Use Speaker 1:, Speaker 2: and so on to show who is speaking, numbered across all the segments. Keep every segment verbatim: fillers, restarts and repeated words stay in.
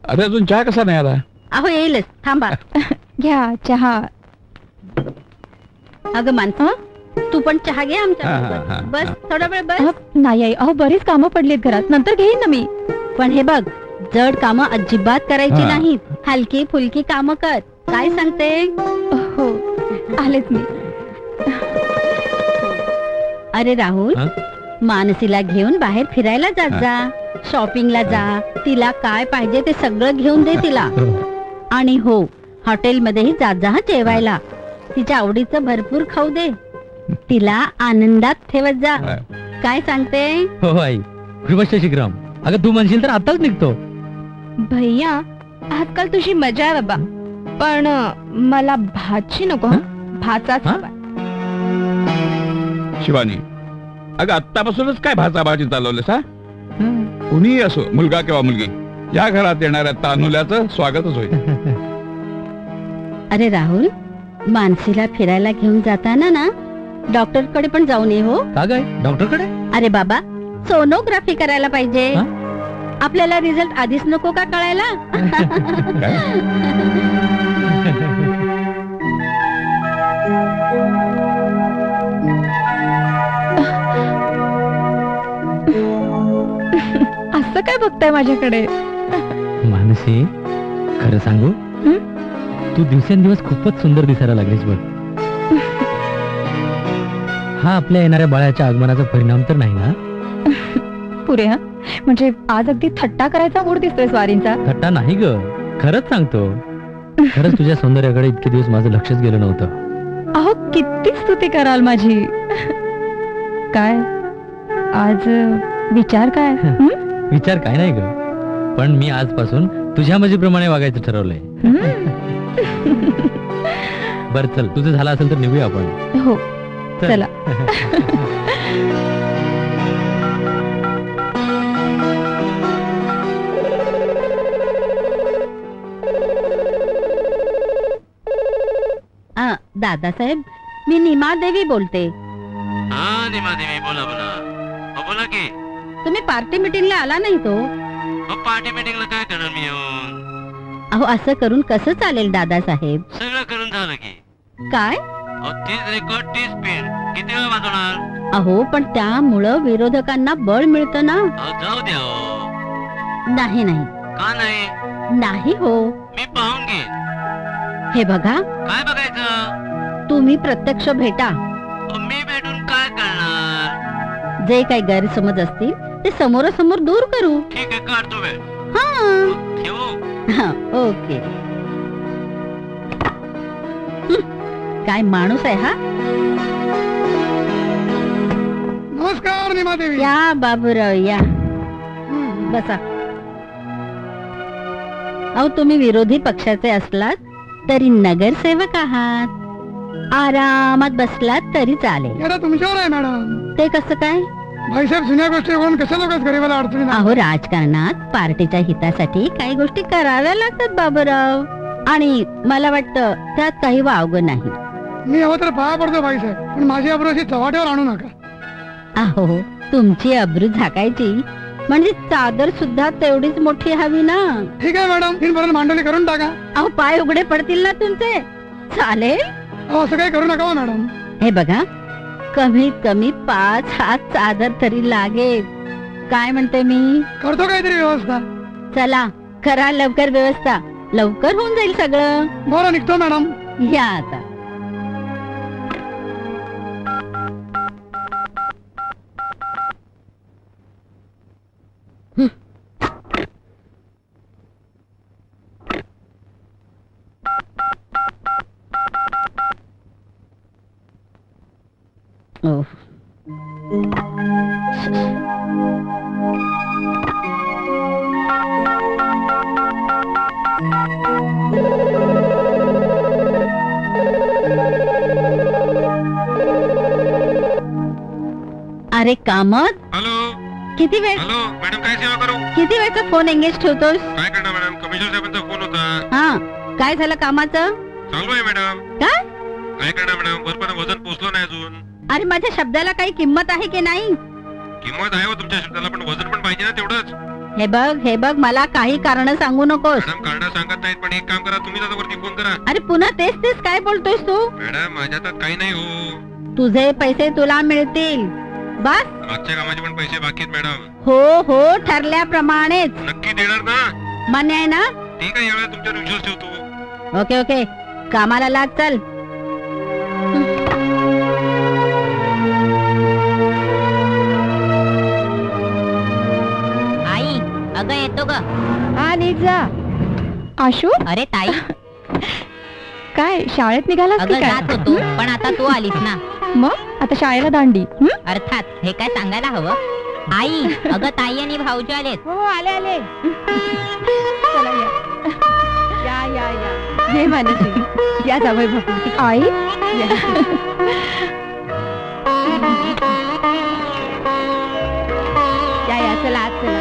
Speaker 1: अरे अजून चहा कसा नाही आला?
Speaker 2: अहो येईलच, थांबा.
Speaker 3: घ्या चहा.
Speaker 2: अगं मानसा, तू पण चहा घे आमच्या
Speaker 1: हा, हा,
Speaker 2: सोबत.
Speaker 1: हा,
Speaker 2: बस
Speaker 1: हा.
Speaker 2: थोडा वेळ बस.
Speaker 3: अहो, नाही आई, अहो बरीच कामं पडलीत घरात, नंतर घेईन ना मी.
Speaker 2: पण हे बघ, जड कामं अजिबात करायची
Speaker 1: हा.
Speaker 2: नाहीत. हलकी फुलकी कामं कर. काय सांगते?
Speaker 3: हो, आलेच मी.
Speaker 2: अरे राहुल,
Speaker 4: हा?
Speaker 2: मानसीला घेऊन बाहेर फिरायला जात
Speaker 1: हा.
Speaker 2: जा, शॉपिंगला जा. तिला काय पाहिजे ते सगळं घेऊन दे तिला. आणि हो, हॉटेलमध्येही जात जा हं जेवायला. तिच्या आवडीचं भरपूर खाऊ दे. तिला आनंदात ठेवत जा.
Speaker 1: हा.
Speaker 2: काय सांगते?
Speaker 4: हो आई, कृपा शिग्राम. अगं तू म्हणशील तर आताच निघतो.
Speaker 3: भैया, आजकाल तुझी मजा आहे बाबा, पण अं, मला भाची नको हं? भाचाच
Speaker 4: हा?
Speaker 3: हवा.
Speaker 1: शिवानी, अगं आत्तापासूनच काय भाजाभाजी चालवलेस हा? कुणीही असो, मुलगा किंवा मुलगी, या घरात येणाऱ्या तानुल्याचं स्वागतच होईल.
Speaker 2: अरे राहुल, मानसीला फिरायला घेऊन जाताना ना डॉक्टर कडे पण जाऊन ये. हो
Speaker 4: का काय डॉक्टर कडे?
Speaker 2: अरे बाबा, सोनोग्राफी करायला पाहिजे.
Speaker 4: हा?
Speaker 2: आपल्याला रिझल्ट आधीच नको का कळायला?
Speaker 1: काय?
Speaker 3: असं काय बघताय माझ्याकडे?
Speaker 4: मानसी, खरं सांगू,
Speaker 3: हं?
Speaker 4: तू दिवसेंदिवस खूपच सुंदर दिसायला लागलीस बघ. हा आपल्या येणाऱ्या बाळाच्या आगमनाचा परिणाम तर नाही ना?
Speaker 3: पुरे हा, म्हणजे आज अगदी थट्टा करायचा मूड दिसतोय स्वारींचा.
Speaker 4: थट्टा नाही ग, खरंच सांगतो. खरंच तुझ्या सौंदर्याकडे इतके दिवस माझं लक्षच गेलं नव्हतं.
Speaker 3: अहो किती स्तुती कराल माझी. काय आज अं, विचार काय? हं?
Speaker 4: विचार काय नाही ग, पण मी आजपासून तुझ्या मजेप्रमाणे वागायचं ठरवलंय.
Speaker 3: हं.
Speaker 4: बर चल, तुझं झालं असेल तर निघूया आपण.
Speaker 3: हो,
Speaker 4: चल.
Speaker 3: चला.
Speaker 2: आ, दादासाहेब, मी निमा देवी बोलते.
Speaker 5: हा निमा देवी, बोला बोला. हो बोला की.
Speaker 2: तुम्ही पार्टी मीटिंगला आला नाही तो?
Speaker 5: हो पार्टी मीटिंगला काय करणार मी येऊन?
Speaker 2: अहो असं करून कसं चालेल दादासाहेब?
Speaker 5: सगळं करून झालं की.
Speaker 2: काय?
Speaker 5: अहो तीच रेकॉर्ड तीच पेन किती वेळ वाजवणार?
Speaker 2: अहो पण त्यामुळं विरोधकांना बळ मिळतं ना.
Speaker 5: अहो जाऊ द्या हो.
Speaker 2: नाही नाही
Speaker 5: का नाही?
Speaker 2: नाही हो.
Speaker 5: मी पाहून घे.
Speaker 2: हे बघा,
Speaker 5: काय बघायचं?
Speaker 2: तुम्ही प्रत्यक्ष भेटा.
Speaker 5: अहो, मी भेटून काय करणार?
Speaker 2: जे काही गैरसमज असतील ते समोरासमोर दूर करू.
Speaker 5: ठीक आहे, काढतो वेळ.
Speaker 2: हा,
Speaker 5: ठेवू?
Speaker 2: हा, ओके. हं, काय माणूस आहे हा.
Speaker 6: नमस्कार निमादेवी.
Speaker 2: या बाबूराव या, बसा. अहो तुम्ही विरोधी पक्षाचे असलात तरी नगरसेवक आहात. आरामात बसलात तरी चालेल.
Speaker 6: येडा तुमच्यावर आहे मॅडम.
Speaker 2: ते कसं काय?
Speaker 6: भाईसाहेब जुन्या गोष्टी करून कशा लोक गरीबाला अडचणी नाही.
Speaker 2: अहो राजकारणात पार्टीच्या हितासाठी काही गोष्टी कराव्या लागतात बाबूराव, आणि मला वाटतं त्यात काही वावगं नाही.
Speaker 6: मी हवं तर पाया पडतो भाईसाहेब, पण माझी अब्रू अशी चव्हाट्यावर आणू नका.
Speaker 2: अहो तुमची अब्रू झाकायची म्हणजे चादर सुद्धा तेवढीच मोठी हवी ना.
Speaker 6: ठीक आहे मॅडम, तीन पर्यंत मांडवली करून टाका.
Speaker 2: अहो पाय उघडे पडतील ना तुमचे. चालेल.
Speaker 6: अहो असं काही करू नका हो मॅडम.
Speaker 2: हे बघा, कमीत कमी पाच हात चादर तरी लागेल. काय म्हणते मी?
Speaker 6: करतो काहीतरी व्यवस्था.
Speaker 2: चला करा लवकर व्यवस्था, लवकर होऊन जाईल सगळं.
Speaker 6: बरं निघतो मॅडम.
Speaker 2: या आता. हं. ओह. अरे कामत,
Speaker 5: हॅलो
Speaker 2: किती वेळ
Speaker 5: हॅलो मॅडम, काय सेवा करू?
Speaker 2: किती वेळचा फोन एंगेज ठेवतोस?
Speaker 5: काय करणार मॅडम, कमिशनर साहेबांचा फोन होता.
Speaker 2: हा, काय झालं कामाचं?
Speaker 5: चालू आहे मॅडम.
Speaker 2: काय?
Speaker 5: काय करणार मॅडम, वरपर्यंत वजन पोहोचलो नाही अजून.
Speaker 2: अरे माझ्या शब्दाला काही किंमत आहे की नाही?
Speaker 5: किंमत आहे हो तुमच्या शब्दाला, पण वजन पण पाहिजे ना तेवढंच.
Speaker 2: हे बघ हे बघ मला काही कारण सांगू नकोस.
Speaker 7: मॅडम कारण सांगत नाहीत, पण एक काम करा, तुम्ही आता वरती फोन करा.
Speaker 2: अरे पुन्हा तेच तेच काय बोलतोयस तू?
Speaker 7: मॅडम माझ्या हातात काही नाही हो.
Speaker 2: तुझे पैसे तुला मिळतील. बस.
Speaker 7: मागच्या कामाचे पण पैसे बाकी आहेत मॅडम.
Speaker 2: हो हो ठरल्याप्रमाणेच.
Speaker 7: नक्की देणार ना?
Speaker 2: मान्य आहे ना?
Speaker 7: ठीक आहे, यावेळेला तुमच्यावर विश्वास ठेवतो.
Speaker 2: ओके ओके कामाला लाग चल.
Speaker 8: आई अगं येतो ग.
Speaker 3: हा नीट जा. आशू
Speaker 8: अरे ताई
Speaker 3: काय शाळेत निघालास
Speaker 8: अगं
Speaker 3: की
Speaker 8: जात
Speaker 3: काय?
Speaker 8: होतो पण आता तू आलीस ना.
Speaker 3: मग आता शाळेला दांडी. हं?
Speaker 8: अर्थात हे काय सांगायला हवं. आई अगं ताई आणि भाऊजी आलेत.
Speaker 3: हो आले आले. चला या या या या हे मानसी या जावई बापू. आई या. या या चला आत चला.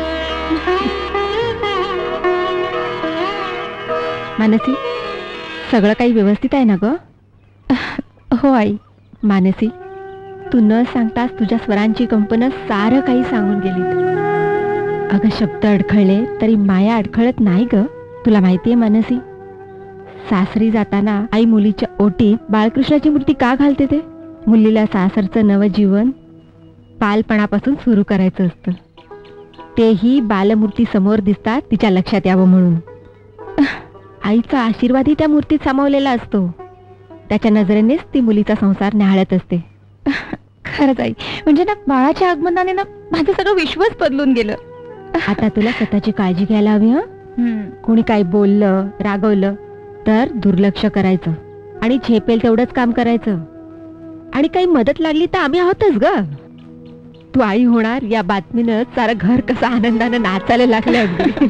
Speaker 3: मानसी सगळं काही व्यवस्थित आहे ना ग? हो आई. मानसी तू न सांगताच तुझ्या स्वरांची कंपन सारं काही सांगून गेली. अगं शब्द अडखळले तरी माया अडखळत नाही ग. तुला माहितीये मानसी, सासरी जाताना आई मुलीच्या ओटीत बाळकृष्णाची मूर्ती का घालते? ते मुलीला सासरचं नवं जीवन बालपणापासून सुरू करायचं असतं. तेही बालमूर्ती समोर दिसतात तिच्या लक्षात यावं म्हणून. आईचा आशीर्वादही त्या मूर्तीत सामावलेला असतो. त्याच्या नजरेनेच ती मुलीचा संसार न्याहाळत असते. खरंच आई, म्हणजे ना बाळाच्या आगमनाने ना माझं सगळं विश्वच बदलून गेलं. आता तुला स्वतःची काळजी घ्यायला हवी. हं कोणी काही बोललं रागवलं तर दुर्लक्ष करायचं आणि झेपेल तेवढंच काम करायचं. आणि काही मदत लागली तर आम्ही आहोतच ग. तू आई होणार या बातमीनं सारं घर कसं आनंदानं नाचायला लागलं अगदी.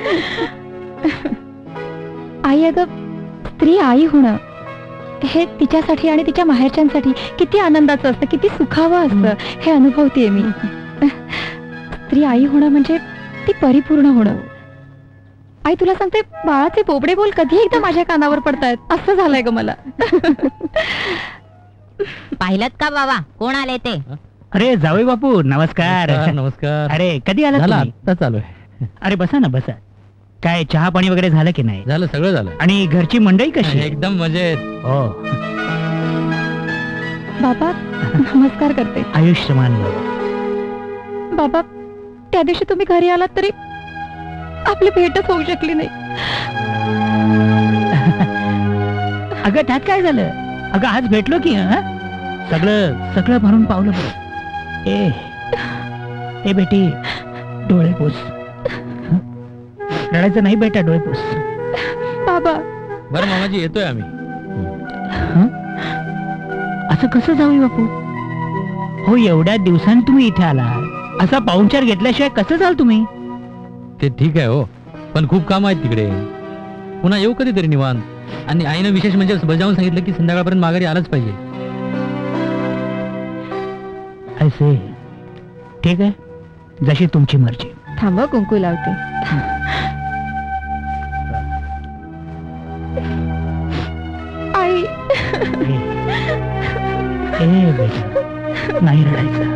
Speaker 3: आई अगं स्त्री आई होणं हे तिच्यासाठी आणि तिच्या माहेरच्यांसाठी किती आनंदाचं असतं, किती सुखावं असतं हे अनुभवतेय मी. स्त्री आई होणं म्हणजे ती परिपूर्ण होणं. आई तुला सांगते बाळाचे बोबडे बोल कधी एकदा माझ्या कानावर पडतायत असं झालंय ग मला.
Speaker 8: पाहिलं का बाबा कोण आले ते?
Speaker 9: अरे जावई बापू नमस्कार.
Speaker 4: नमस्कार, नमस्कार.
Speaker 9: अरे कधी आला
Speaker 4: झालं
Speaker 9: तुम्ही?
Speaker 4: आता चालू आहे.
Speaker 9: अरे बसा ना बसा. काय चहा पाणी वगैरे झालं की नाही?
Speaker 4: झालं सगळं झालं.
Speaker 9: आणि घरची मंडळी कशी आहे?
Speaker 4: एकदम मजेत.
Speaker 9: हो
Speaker 3: बाबा नमस्कार करते.
Speaker 9: आयुष्यमान भव.
Speaker 3: बाबा त्या दिवशी तुम्ही घरी आलात तरी आपली भेटच होऊ शकली नाही.
Speaker 9: अगं त्यात काय झालं? अगं आज भेटलो की हं? सगळं सगळं भरून पावलं बरं. ए ए बेटी डोळे पुस. हं? रडायचं नाही बेटा, डोळे पुस.
Speaker 3: बाबा
Speaker 4: बरं मामाजी येतोय आम्ही.
Speaker 9: हं? असं कसं जाऊ बापू? हो एवढ्या दिवसांनी तुम्ही इथे आला, असा पाहुणचार घेतल्याशिवाय कसं जाल तुम्ही?
Speaker 4: ते ठीक आहे हो, पण खूप काम आहेत तिकडे. पुन्हा येऊ कधीतरी निवांत. आणि आईनं विशेष म्हणजे बजावून सांगितलं की संध्याकाळपर्यंत माघारी आलाच पाहिजे.
Speaker 9: असे ठीक आहे, जशी तुमची मर्जी.
Speaker 3: थांब कुंकू लावते. आई
Speaker 9: ए ए बेटा नाही रडायचं.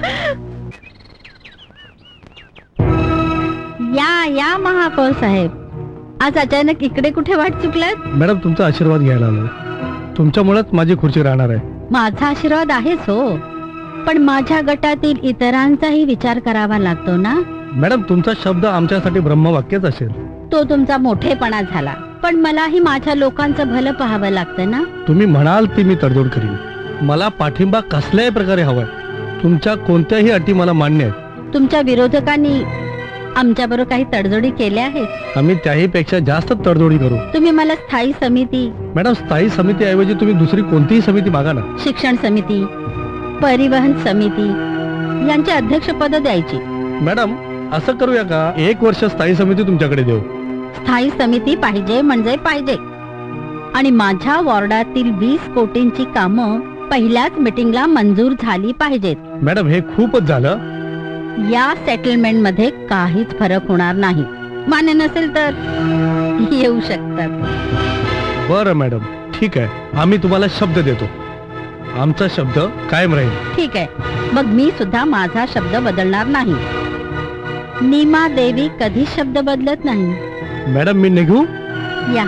Speaker 2: या या महापौर साहेब, आज अचानक इकडे कुठे वाट चुकलात?
Speaker 6: मॅडम तुमचा आशीर्वाद घ्यायला आलो. तुमच्यामुळेच माझी खुर्ची राहणार आहे.
Speaker 2: माझा आशीर्वाद आहेच हो, पण माझ्या गटातील इतरांचाही विचार करावा लागतो ना.
Speaker 6: मॅडम तुमचा शब्द आमच्यासाठी ब्रह्मवाक्यच असेल.
Speaker 2: तो तुमचा मोठेपणा झाला, पण मलाही माझ्या लोकांचं भलं पाहावं लागतं ना.
Speaker 6: तुम्ही म्हणाल ती मी तडजोड करीन. मला पाठिंबा कसल्याही प्रकारे हवाय. तुमच्या कोणत्याही अटी मला मान्य आहेत.
Speaker 2: तुमच्या विरोधकांनी आमच्याबरोबर काही तडजोडी केल्या आहेत.
Speaker 6: आम्ही त्याही पेक्षा जास्त तडजोडी करू.
Speaker 2: तुम्ही मला स्थायी समिती,
Speaker 6: मॅडम स्थायी समितीऐवजी तुम्ही दुसरी कोणतीही समिती मागा ना.
Speaker 2: शिक्षण समिती, परिवहन समिती यांची अध्यक्षपद द्यायची.
Speaker 6: मॅडम असं करूया का, एक वर्ष स्थायी समिती तुमच्याकडे देऊ.
Speaker 2: स्थायी समिती पाहिजे म्हणजे पाहिजे. आणि माझ्या वॉर्डातील वीस कोटींची कामं पहिल्याच मिटिंगला मंजूर झाली पाहिजेत.
Speaker 6: मॅडम हे खूपच झालं.
Speaker 2: या सेटलमेंट मध्ये काहीच फरक होणार नाही. मान्य नसेल तर येऊ शकतात.
Speaker 6: बरं मॅडम ठीक आहे, आम्ही तुम्हाला शब्द देतो. आमचा शब्द कायम राहील.
Speaker 2: ठीक आहे, मग मी सुद्धा माझा शब्द बदलणार नाही. नीमा देवी कधी शब्द बदलत नाही.
Speaker 6: मॅडम मी निघू?
Speaker 2: या.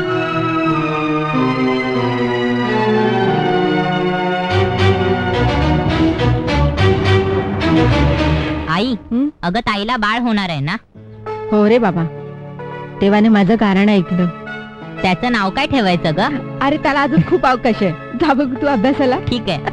Speaker 8: आई
Speaker 3: हं?
Speaker 8: अगं ताईला बाळ होणार आहे ना?
Speaker 3: हो रे बाबा, देवाने माझं कारण ऐकलं.
Speaker 8: त्याचं नाव काय ठेवायचं ग?
Speaker 3: अरे त्याला अजून खूप अवकाश आहे. जा बघ तू अभ्यासाला.
Speaker 8: ठीक आहे.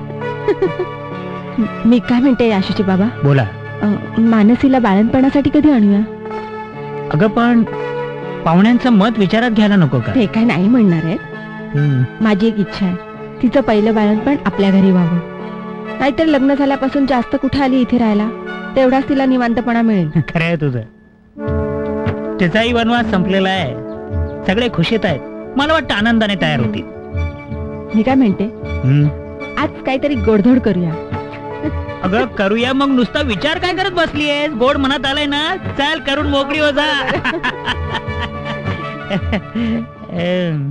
Speaker 3: मी काय म्हणते आशुची बाबा,
Speaker 9: बोला.
Speaker 3: अं, मानसीला बाळणपणासाठी कधी आणूया?
Speaker 9: अगं पण पाहुण्यांचं मत विचारात घ्यायला नको का?
Speaker 3: ते काय नाही म्हणणार आहे.
Speaker 9: हं.
Speaker 3: माझी एक इच्छा आहे, तिचं पहिलं बाळणपण आपल्या घरी व्हावं. नाहीतर लग्न झाल्यापासून जास्त कुठे आली इथे राहायला, तेवढाच तिला निवांतपणा मिळेल.
Speaker 9: खरं आहे तुझं. तिचाही वनवास संपलेला आहे, सगळे खुशीत आहेत. मला वाटतं आनंदाने तयार होतील.
Speaker 3: मी काय म्हणते,
Speaker 9: हं.
Speaker 3: आज काहीतरी गोडधोड करूया.
Speaker 9: अगं करूया मग, नुसता विचार काय करत बसलीयेस? गोड मनात आलंय ना, चल करून मोकळी हो जा. हं.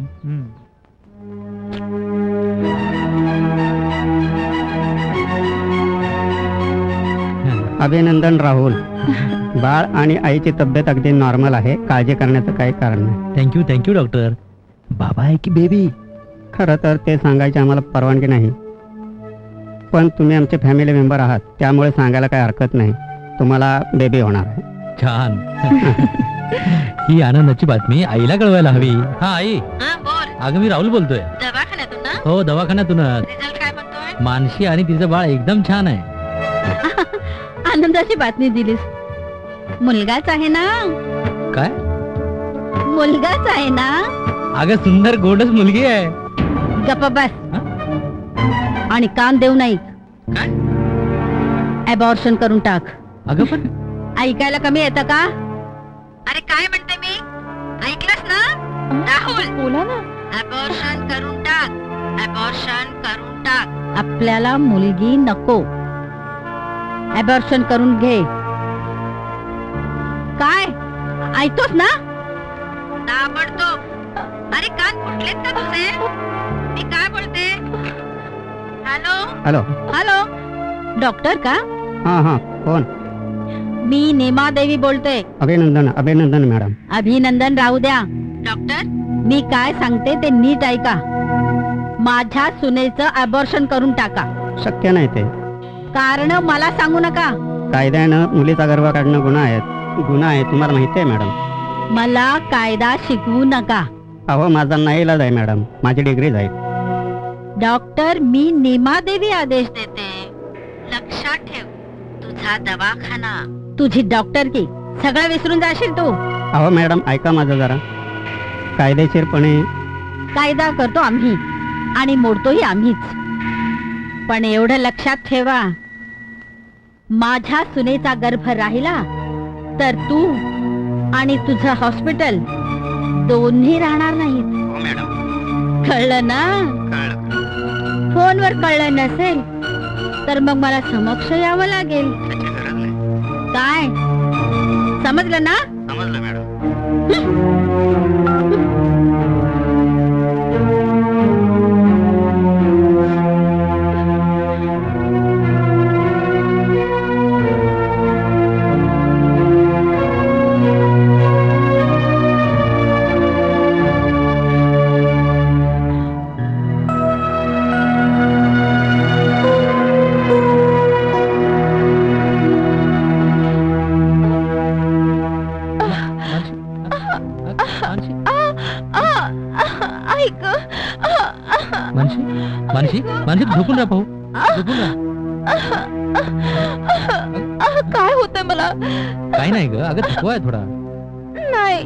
Speaker 10: अभिनंदन राहुल. बाळ आणि आईची तब्येत अगदी नॉर्मल आहे, काळजी करण्याचं काही कारण नाही.
Speaker 4: Thank you thank you doctor. बाबा आहे की बेबी?
Speaker 10: खरं तर ते सांगायची आम्हाला परवानगी नाही, पण तुम्ही आमचे फॅमिली मेंबर आहात त्यामुळे सांगायला काही हरकत नाही. तुम्हाला बेबी होणार आहे.
Speaker 4: छान. ही आनंदाची बातमी आईला कळवायला हवी. हा आई, अगं मी राहुल बोलतोय.
Speaker 2: दवाखान्यातून ना?
Speaker 4: हो दवाखान्यातूनच.
Speaker 2: रिझल्ट काय म्हणतोय?
Speaker 4: मानशी आणि तिचं बाळ एकदम छान आहे.
Speaker 2: आनंदाची बातमी दिलीस. मुलगाच आहे ना?
Speaker 4: काय?
Speaker 2: मुलगाच आहे ना?
Speaker 4: अगं सुंदर गोडच मुलगी आहे.
Speaker 2: गप्प बस. आणि कान देऊ नाही. अबॉर्शन करून टाक.
Speaker 4: अगं पण
Speaker 2: ऐकायला कमी येतं का? अरे काय म्हणते मी? ऐकलंस ना राहुल?
Speaker 3: बोला ना.
Speaker 2: अबॉर्शन करून टाक. अबॉर्शन करून टाक. आपल्याला मुलगी नको. अबॉर्शन करून घे. काय ऐकतोस ना? ताबडतोब. अरे कान फुटलेत का तुझे? मी काय बोलते? Hello
Speaker 10: hello.
Speaker 2: हॅलो, डॉक्टर का?
Speaker 10: हां हां, कोण?
Speaker 2: मी नीमा देवी बोलते.
Speaker 10: अभिनंदन अभिनंदन मॅडम.
Speaker 2: अभिनंदन राहू द्या. डॉक्टर, मी काय सांगते ते नीट ऐका. माझ्या सुनेचं अबॉर्शन करून टाका.
Speaker 10: शक्य नाही ते.
Speaker 2: कारण मला सांगू नका.
Speaker 10: कायद्यानं मुलीचा गर्भ काढणं गुन्हा आहे. गुन्हा आहे, तुम्हाला माहिती आहे मॅडम.
Speaker 2: मला कायदा शिकवू नका.
Speaker 10: अहो माझा नाईलाज आहे मॅडम, माझी डिग्री जाईल.
Speaker 2: डॉक्टर, मी नीमा देवी आदेश देते. लक्षात ठेव, तुझा दवाखाना, तुझी डॉक्टर की सगळं विसरून जाशील तू.
Speaker 10: अहो मॅडम ऐका माझं जरा. कायदेशीरपणे
Speaker 2: कायदा करतो आम्ही आणि मोडतोही आम्हीच. पण एवढं लक्षात ठेवा, माझ्या सुनेचा गर्भ राहिला तर तू आणि तुझं हॉस्पिटल दोन्ही राहणार नाहीत. कळलं ना? फोनवर कळलं नसेल तर मग मला समक्ष यावं लागेल. काय समजलं ना?
Speaker 10: समजलं मॅडम.
Speaker 4: मानशी मानशी मानशी झोपून राहा. भाऊ झोपून राहा.
Speaker 3: काय होतंय मला?
Speaker 4: काही नाही ग, अगं थकवा आहे थोडा.
Speaker 3: नाही.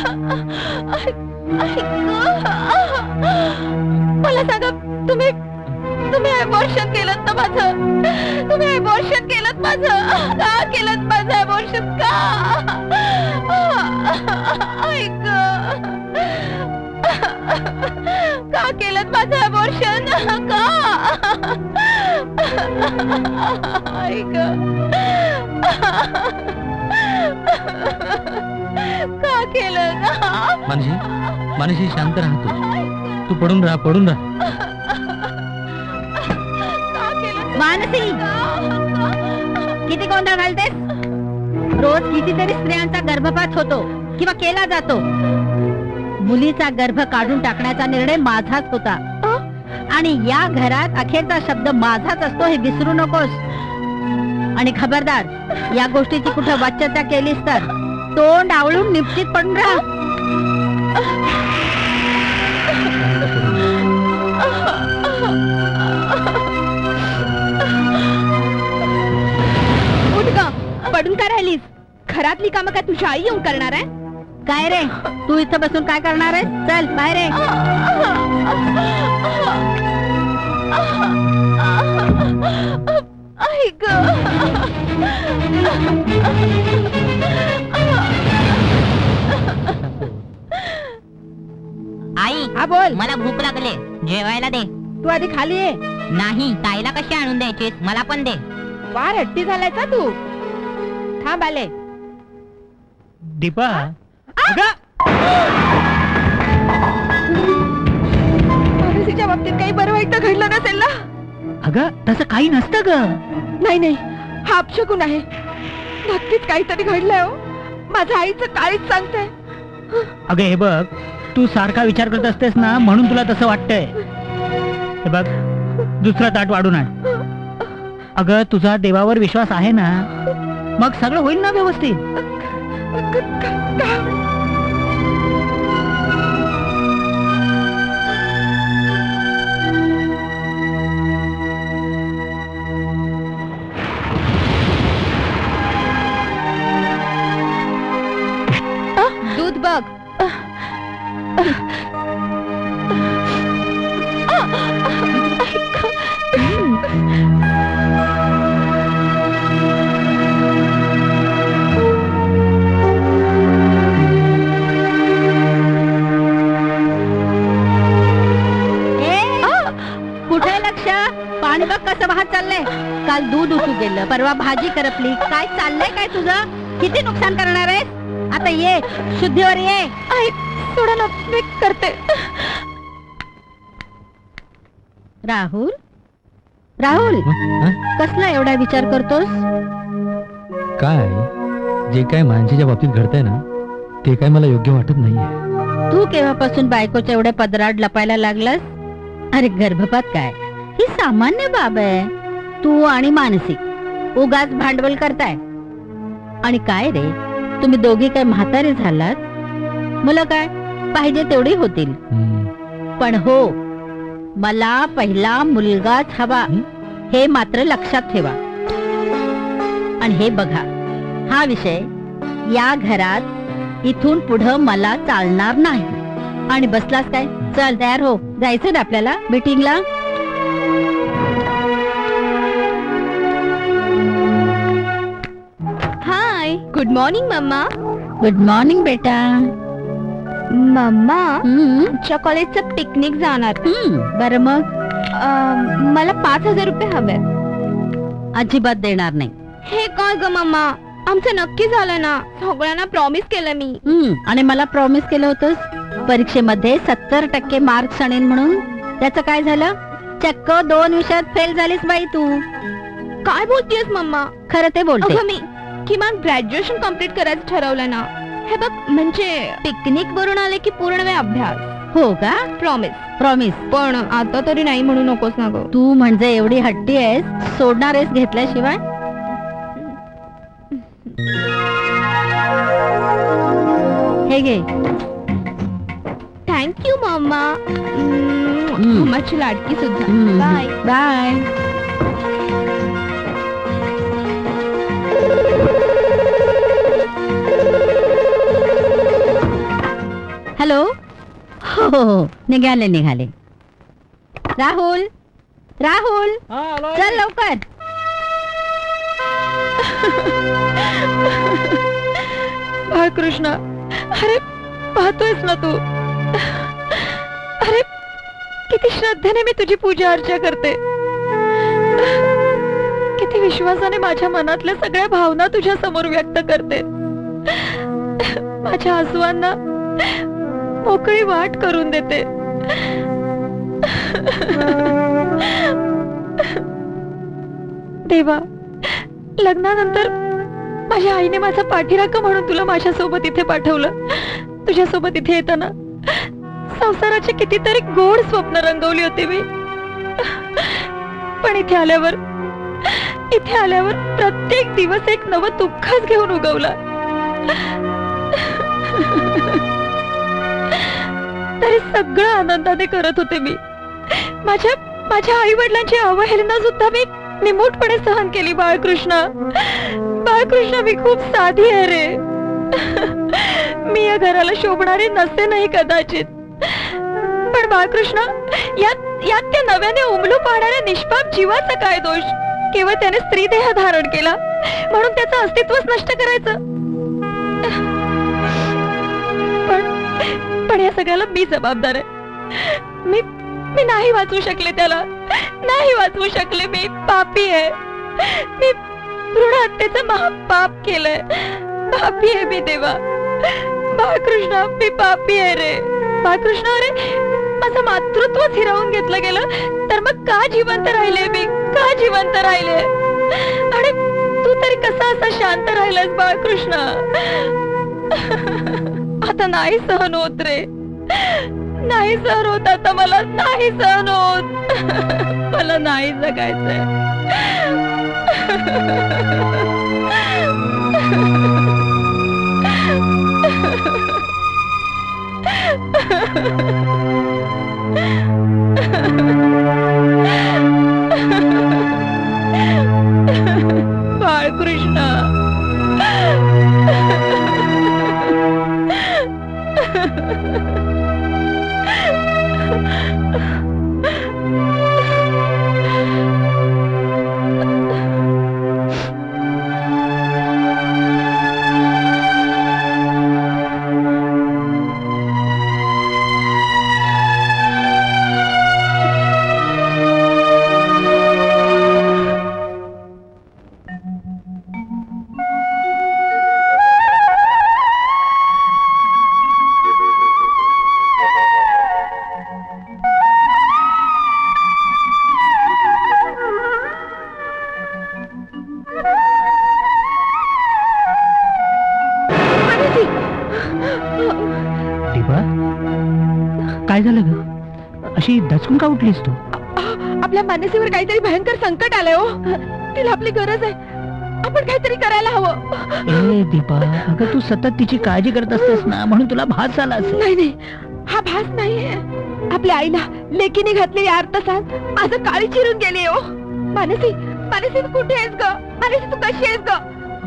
Speaker 3: मला सांगा, तुम्ही तुम्ही अबॉर्शन केलं ना माझं? तुम्ही अबॉर्शन केलं माझं? का केलं माझं अबॉर्शन? का? ऐक, का केलं माझं अबॉर्शन? का? ऐक, का केलं ना?
Speaker 4: मानशी मानशी शांत राहा. तू तू पडून राहा पडून राहा.
Speaker 2: मानसी, किती गोंधळ घालतेस? रोज कितीतरी स्त्रियांचा गर्भपात होतो किंवा केला जातो. मुलीचा गर्भ काढून टाकण्याचा निर्णय माझाच होता आणि या घरात अखेरचा शब्द माझाच असतो हे विसरू नकोस. आणि खबरदार या गोष्टीची कुठं वाच्यता केलीस तर तोंड आवळून निश्चित पडून राहा.
Speaker 3: पडून काय राहिलीस? घरातली कामं काय तुझी आई येऊन करणार आहे?
Speaker 2: काय रे तू इथं बसून काय करणार आहे? चल बाहेर ये.
Speaker 8: आई
Speaker 2: हा बोल.
Speaker 8: मला भूक लागले, जेवायला दे.
Speaker 2: तू आधी खाली ये.
Speaker 8: नाही, ताईला कशी आणून द्यायची, मला पण दे.
Speaker 2: फार हट्टी झालाय का तू? थांब आले.
Speaker 9: दीपा
Speaker 3: मानसीच्या बाबतीत काही बरं वाईट तर घडलं नसेल ना?
Speaker 9: अगं तसं काही नसतं ग.
Speaker 3: नाही नाही, हा अपशकुन आहे. नक्कीच काहीतरी घडलंय हो. माझ्या आईचं काळीच सांगतंय.
Speaker 9: अगं हे बघ, तू सारखा विचार करत असतेस ना म्हणून तुला तसं वाटतंय. हे बघ, दुसरं ताट वाढून आण. अगं तुझा देवावर विश्वास आहे ना, मग सगळं होईल ना व्यवस्थित.
Speaker 3: दूध बघ.
Speaker 2: कुठे लक्ष? पाणी बघ कसं वाहत चाललंय. काल दूध उतू गेलं, परवा भाजी करपली. काय चाललंय काय तुझं? किती नुकसान करणार आहे? आता ये, शुद्धीवर ये.
Speaker 3: आई सोडा ना, मी करते.
Speaker 2: राहुल राहुल
Speaker 4: हं?
Speaker 2: कसला एवढा विचार करतोस?
Speaker 4: काय जे काय माणसाच्या बाबतीत घडतंय ना ते काय मला योग्य वाटत नाहीये.
Speaker 2: तू केव्हापासून बायकोच्या एवढ्या पदरात लपायला लागलास? अरे गर्भपात काय ही सामान्य बाब आहे. तू आणि मानसी उगाच भांडवल करताय. आणि काय रे, तुम्ही दोघी काय म्हातारे झालात? मुलं काय पाहिजे तेवढी होतील.
Speaker 4: हं.
Speaker 2: पण हो, मला पहिला मुलगाच हवा हे मात्र लक्षात ठेवा. आणि हे बघा, हा विषय या घरात इथून पुढं मला चालणार नाही. आणि बसलास काय? चल तयार हो, जायचं ना आपल्याला मीटिंगला.
Speaker 3: Hi, good morning mamma.
Speaker 2: Good morning बेटा.
Speaker 3: मम्मा,
Speaker 2: हम्म,
Speaker 3: आमच्या कॉलेजचं पिकनिक जाणार.
Speaker 2: हम्म, बरं मग
Speaker 3: अं, मला पाच हजार रुपये हवे.
Speaker 2: अजिबात देणार नाही.
Speaker 3: हे काय ग मम्मा, आमचं नक्की झालं ना. सगळ्यांना प्रॉमिस केलं मी.
Speaker 2: हम्म, आणि मला प्रॉमिस केलं होतंस परीक्षेमध्ये सत्तर टक्के मार्क्स आणीन म्हणून. त्याचं काय झालं? चक्क दोन विषयात फेल झालीस बाई तू.
Speaker 3: काय बोलतेस मम्मा?
Speaker 2: खरं ते बोलते.
Speaker 3: अगं मी किमान ग्रॅज्युएशन कम्प्लीट करायचं ठरवलं ना. हे बघ, म्हणजे पिकनिक वरून आले की पूर्ण वेळ अभ्यास.
Speaker 2: हो का?
Speaker 3: प्रॉमिस.
Speaker 2: प्रॉमिस.
Speaker 3: पण आता तरी नाही म्हणू नकोस ना ग.
Speaker 2: तू म्हणजे एवढी हट्टी आहेस, सोडणार आहेस घेतल्याशिवाय? हे घे.
Speaker 3: Thank you mamma.
Speaker 2: हम्म.
Speaker 3: मम्माची लाडकी सुद्धा.
Speaker 2: हम्म,
Speaker 3: बाय.
Speaker 2: बाय. हॅलो. हो हो हो, निघाले निघाले. राहुल राहुल चल लवकर.
Speaker 3: बाळकृष्ण, अरे पाहतोयस ना तू? अरे किती श्रद्धेने मी तुझी पूजा अर्चा करते. किती विश्वासाने माझ्या मनातल्या सगळ्या भावना तुझ्या समोर व्यक्त करते. माझ्या आसवांना मोकळी वाट करून देते. देवा, लग्नानंतर माझ्या आईने माझा पाठीराखा म्हणून तुला माझ्यासोबत इथे पाठवलं. तुझ्यासोबत इथे येताना संसाराची कितीतरी गोड स्वप्न रंगवली होती मी. पण इथे आल्यावर इथे आल्यावर प्रत्येक दिवस एक नवं दुःखच घेऊन उगवला. तरी सगळं आनंदाने करत होते मी. माझ्या माझ्या आई वडिलांची अवहेलना सुद्धा मी निमूटपणे सहन केली. बाळकृष्णा बाळकृष्णा मी खूप साधी आहे रे. मी या घराला शोभणारी नसते नाही कदाचित, पण बाळकृष्णा यात यात त्या नव्याने उमलू पाहणाऱ्या निष्पाप जीवाचा काय दोष? केवळ त्याने स्त्री देह धारण केला म्हणून त्याचं अस्तित्वच नष्ट करायचं. पण पण या सगळ्याला मी जबाबदार आहे. मी मी नाही वाचवू शकले त्याला, नाही वाचवू शकले. मी पापी आहे. मी भ्रूण हत्येचं महापाप केलंय. पापी आहे मी देवा. बाळकृष्णा मी पापी आहे रे. बाळकृष्णा अरे माझं मातृत्वच हिरावून घेतलं गेलं तर मग का जिवंत राहिले मी? का जिवंत राहिले? आणि तू तरी कसा असा शांत राहिलास बाळकृष्णा? आता नाही सहन होत रे. नाही सहन होत आता मला. नाही सहन होत. मला नाही जगायचंय. बाळकृष्णा
Speaker 9: काय झालं ग? अशी दचकून का उठलीस तू?
Speaker 3: आपल्या मानसीवर काहीतरी भयंकर संकट आलंय हो. तिला आपली गरज आहे. आपण काहीतरी करायला हवं.
Speaker 9: ए दीपा, अगं तू सतत तिची काळजी करत असतेस ना, म्हणून तुला भास झाला असेल.
Speaker 3: नाही नाही, हा भास नाहीये. आपल्या आईला लेकीने घातलेली आर्तसात आज काळी चिरून गेली हो. मानसी मानसी तू कुठे आहेस ग? मानसी तू कशी आहेस ग?